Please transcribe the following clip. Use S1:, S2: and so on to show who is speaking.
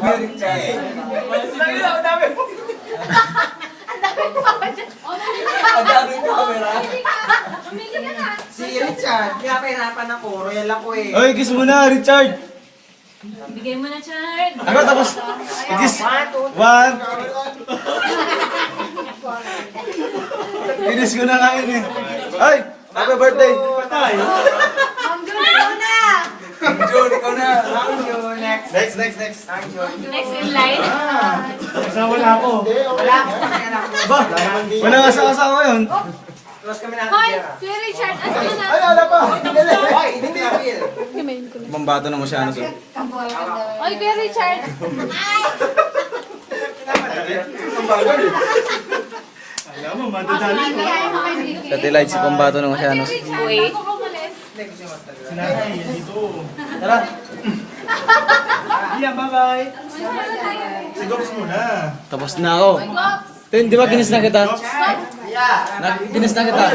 S1: Ang dami mo. Ang daming camera.
S2: Si Richard, pinapahirapan ako. Royal ako eh.
S3: Oy, kiss mo na, Richard.
S4: Bigay mo na, Chard.
S3: Ako tapos. Kiss. One. Kinis ko na nga yun eh. Ay, happy birthday.
S4: Ang gulo na!
S1: Jun, ikaw na.
S2: Thank you. Next.
S3: Next.
S2: Thank you.
S4: Next in line.
S3: Wala ako.
S2: Wala akong anak ko.
S3: Ba, wala nga sa asawa yun.
S2: Close kami natin.
S4: Hoy,
S2: Kira.
S4: Kuya Richard, asa ka na?
S3: Ay, wala pa.
S2: Hoy, hindi na feel.
S3: Mambato na mo siya, ano, sir.
S4: Hoy, Kuya Richard.
S3: Alam mo, madadali mo.
S4: Satellite
S3: si Pambato na mo siya, ano.
S4: Wait.
S3: Sinanay, yan dito. Tara. Yeah, bye-bye. Sigos muna. Tapos na ako. Tin, di ba kinis na kita? Kinis na kita.